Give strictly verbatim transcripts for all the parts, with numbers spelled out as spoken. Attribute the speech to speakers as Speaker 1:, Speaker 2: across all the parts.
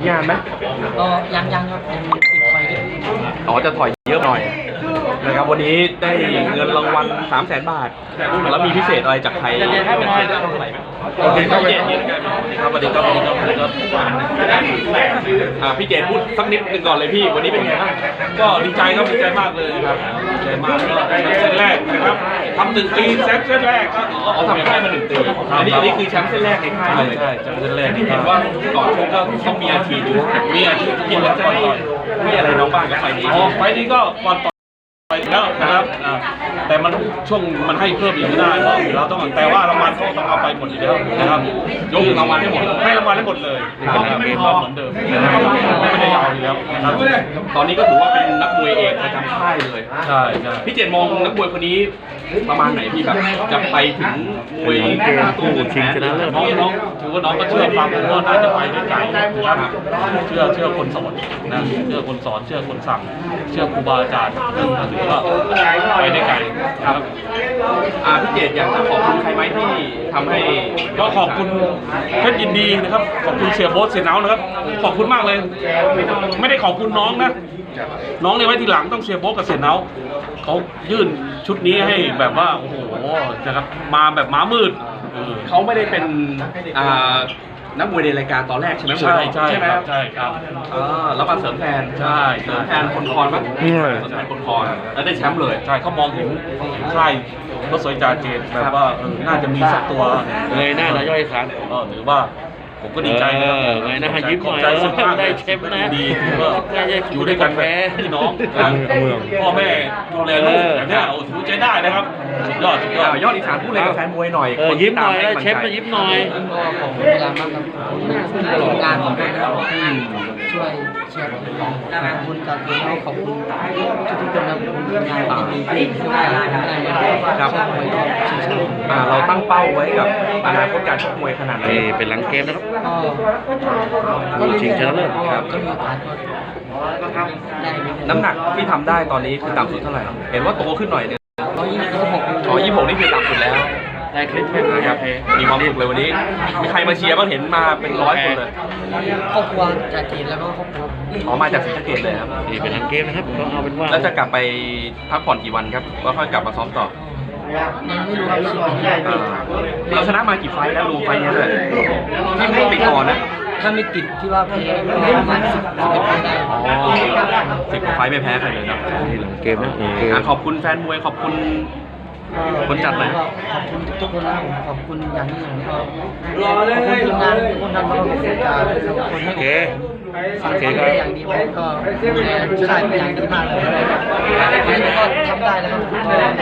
Speaker 1: งานไหม
Speaker 2: ก็ยังยังครับยังติดไฟ
Speaker 1: อ๋อจะถอยเยอะหน่อยนะครับวันนี้ได้เงินรางวัลสามแสนบาทแล้วมีพิเศษอะไรจากใครเป็นพิเศษเท่าไหร่ไหมโอเคครับพี่เจนครับสวัสดีครับสวัสดีครับสวัสดีครับอ่าพี่เจนพูดสักนิดหนึ่งก่อนเลยพี่วันนี้เป็นไงบ้าง
Speaker 3: ก็ดีใจครับดีใจมากเลยครับดีใจมากก็ได้เส้นแรกนะครับทำหนึ่งปีแซฟเส้นแรกก็
Speaker 1: อ๋อทำค่ายมาหนึ่งปีอันนี้อันนี้คือแชมป์เส้นแรกในค่ายเลย
Speaker 3: ใช่แชมป์เส้นแรก
Speaker 1: ที่เห็นว่าก่อนชกก็ต้องมีอาชีพ
Speaker 3: มีอาชีพ
Speaker 1: ที่เราจะให้ให้อะไรน้องบ้างกับไฟนี้
Speaker 3: อ๋อไฟนี้ก็ก่อนต่อไปแล้วนะครับแต่มันช่วงมันให้เพิ่มอีกไม่ได้เพราะเราต้องแต่ว่ารางวัลเขาต้องเอาไปหมดอยู่แล้วนะครับ
Speaker 1: ยกรางวัลให้หมด
Speaker 3: ให้รางวัลให้หมดเลยนะครับไม่พอเหมือนเดิมไม่ได้เอาอยู่แล้วนะครับ
Speaker 1: ตอนนี้ก็ถือว่าเป็นนักมวยเอกประจำค่ายเลย
Speaker 3: ใช่ใช่
Speaker 1: พี่เจนมองนักมวยคนนี้ประมาณไหนพี่แบบจะไปถึงมวยตู้ชิงชนะเลิศ
Speaker 3: น้องน้องถือว่าน้องก็เชื่อฟังว่าน่าจะไปได้ไกลนะครับเชื่อเชื่อคนสอนนะเชื่อคนสอนเชื่อคนสั่งเชื่อครูบาอาจารย์ถือว่าไปได้ไกลครับ
Speaker 1: อ่าพี่เจตอยากจะขอบคุณใครไหมที่ทำให้
Speaker 3: ก็ขอบคุณเพชรยินดีนะครับขอบคุณเสียโบ๊ทเสียเนานะครับขอบคุณมากเลยไม่ได้ขอบคุณน้องนะน้องเนี่ยไว้ทีหลังต้องเสียโบ๊ทกับเสียเนาเขายื่นชุดนี้ให้แบบว่าโอ้โหนะครับมาแบบม้ามืด
Speaker 1: เขาไม่ได้เป็นอ่านักมวยในรายการตอนแรกใช่ไหม
Speaker 3: ใช่ใช่
Speaker 1: ใช่ไหม
Speaker 3: ใช่ครับ
Speaker 1: อ่าแล้วมาเสริมแทน
Speaker 3: ใช่
Speaker 1: เสริมแทนคนคอนมั้งเสริมแทนคนคอนแล้วได้แชมป์เลย
Speaker 3: ใช่เขามองเห็นค่ายรถสวยจ่าเจนแบบว่าน่าจะมีสักตัว
Speaker 4: เลยหน้าเราย่อยสัน
Speaker 3: ก็ถือว่าผมก็ดีใจนะ
Speaker 4: ไงนะยิ้มหน่อยได้เชฟนะ
Speaker 3: ดีก็อยู่ด้วยกันแบบพี่น้องพ่อแม่ดูแลลูกแบบนี้โอ้ถือใจได้นะครับสุดยอดสุดยอด
Speaker 1: ยอดอีสานพูดอะไรกับแฟนมวยหน่อย
Speaker 4: คนยิ้มหน่อยเชฟมายิ้มหน่อย
Speaker 2: ก็ขอบคุณพยายามมากครับขอบคุณงานของด้วยนะครับที่ช่วยเชียร์ผมขอบคุณจากตัวเราขอบคุณทุกๆคนนะงานที่ดีที่ช่วยอะไรนะครับ
Speaker 1: เราตั้งเป้าไว้กับอนาคตการชกมวยขนาดไหน
Speaker 4: เป็นหลังเกมนะครับ
Speaker 2: ก็
Speaker 4: ชิงชนะเลิศ
Speaker 2: ครับก็มีโอกาสก็ทำได้
Speaker 1: น้ำหนักที่ทำได้ตอนนี้คือต่ำสุดเท่าไหร่เห็นว่าโตขึ้นหน่อยนึง
Speaker 2: ร้อยยี่สิบหก
Speaker 1: อ๋อยี่สิบหกนี่คือต่ำสุดแล้ว
Speaker 4: ได้คลิปเพิ่ม
Speaker 1: นะครับมีความสุขเลยวันนี้มีใครมาเชียร์บ้างเห็นมาเป็นร้อยคนเลย
Speaker 2: ครอบครัวจากจีนแล้วก็ครอบครัว
Speaker 1: อ๋อมาจากศรีสะเกษเลยครับ
Speaker 4: นี่เป็นหลังเกมนะครับก็เอาเป็นว่า
Speaker 1: แล้วจะกลับไปพักผ่อนกี่วันครับว่าค่อยกลับมาซ้อมต่อ
Speaker 2: ยังไม่รู้ครับ
Speaker 1: เราชนะมากี่ไฟแล้วรวมไฟนี้เลยที่ไม่ติดก่อนนะ
Speaker 2: ถ้าไม่ติดที่ว่าแพ้ประมาณสิบสิบเอ็ดไฟได้
Speaker 1: อ๋อสิบกว่าไฟไม่แพ้ใครเลยนะ
Speaker 4: นี่หลังเกมนะ
Speaker 1: ขอบคุณแฟนมวยขอบคุณคนจัดเลย
Speaker 2: ขอบคุณทุกคนนะขอบคุณอย่างนี้ผมก็ขอบคุณทีมงานทุกคนทำมาขอบคุณการคนให้โอเคสั่งสอนอย่างดีผมก็ดูแลใช่เป็นอย่างดีมากเลยวันนี้ก็ทำได้แล้วครับ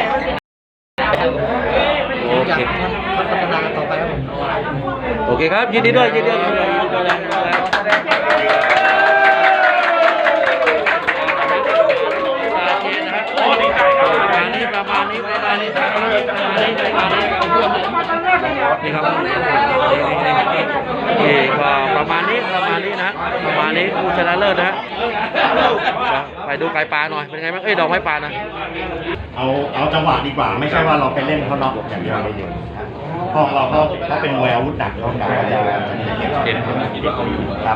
Speaker 2: ก็อยากพัฒนาต่อไปครับผม
Speaker 4: โอเคครับยินดีด้วยยินดีด้วยประมาณนี้ประมาณนี้ประมาณนี้ประมาณนี้ประมาณนี้นี่ครับนี่ก็ประมาณนี้ประมาณนี้นะประมาณนี้ผู้ชนะเลิศนะไปดูไก่ปลาหน่อยเป็นไงบ้างเอ้ยดอกไม้ปลานะ
Speaker 5: เอาเอาจังหวะดีกว่าไม่ใช่ว่าเราไปเล่นเขาน็อกอย่างเดียวเพราะเราเขาเขาเป็นมวยอาวุธหนักเขาหนัก
Speaker 1: เด่นเขามีที่เขาอยู่
Speaker 5: ครับ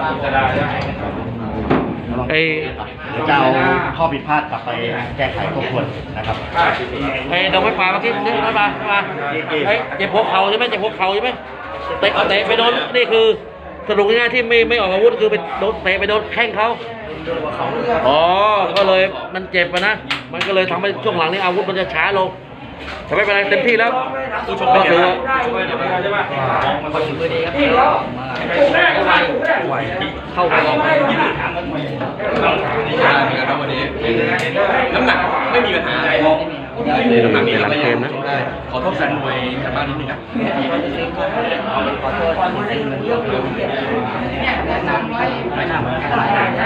Speaker 4: ไอ้
Speaker 5: จะเอาข้อผิดพลาดกลับไปแก้ไขทบทวนนะครับ
Speaker 4: ไอ้ดอกไม้ปลาเมื่อกี้นี่ดอกไม้ปลามาไอ้เจ็บหัวเข่าใช่ไหมเจ็บหัวเข่าใช่ไหมเตะเตะไปโดนนี่คือสรุปง่ายๆที่ไม่ไม่ออกอาวุธคือไปโดนเตะไปโดนแข้งเขาอ๋อก็เลยมันเจ็บนะ มันก็เลยทำให้ช่วงหลังนี้อาวุธมันจะช้าลงแต่ไม่เป็นไรเต็มที่แล้ว
Speaker 1: ผู้ชมก็คือ
Speaker 2: มันคนมือดีครับไหวเข้าไปออกมา
Speaker 1: วันนี้น้ำหนักไม่มีปัญหาอะไร
Speaker 4: น้ำหนักมีหลังเกมนะ
Speaker 1: ขอโทษแฟนมวยกันบ้างนิดนึงครับ
Speaker 2: ขอโทษ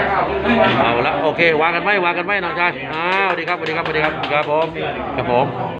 Speaker 4: เอาละโอเควางกันไหมวางกันไหมน้องชายอ้าวสวัสดีครับสวัสดีครับสวัสดีครับครับผมครับผม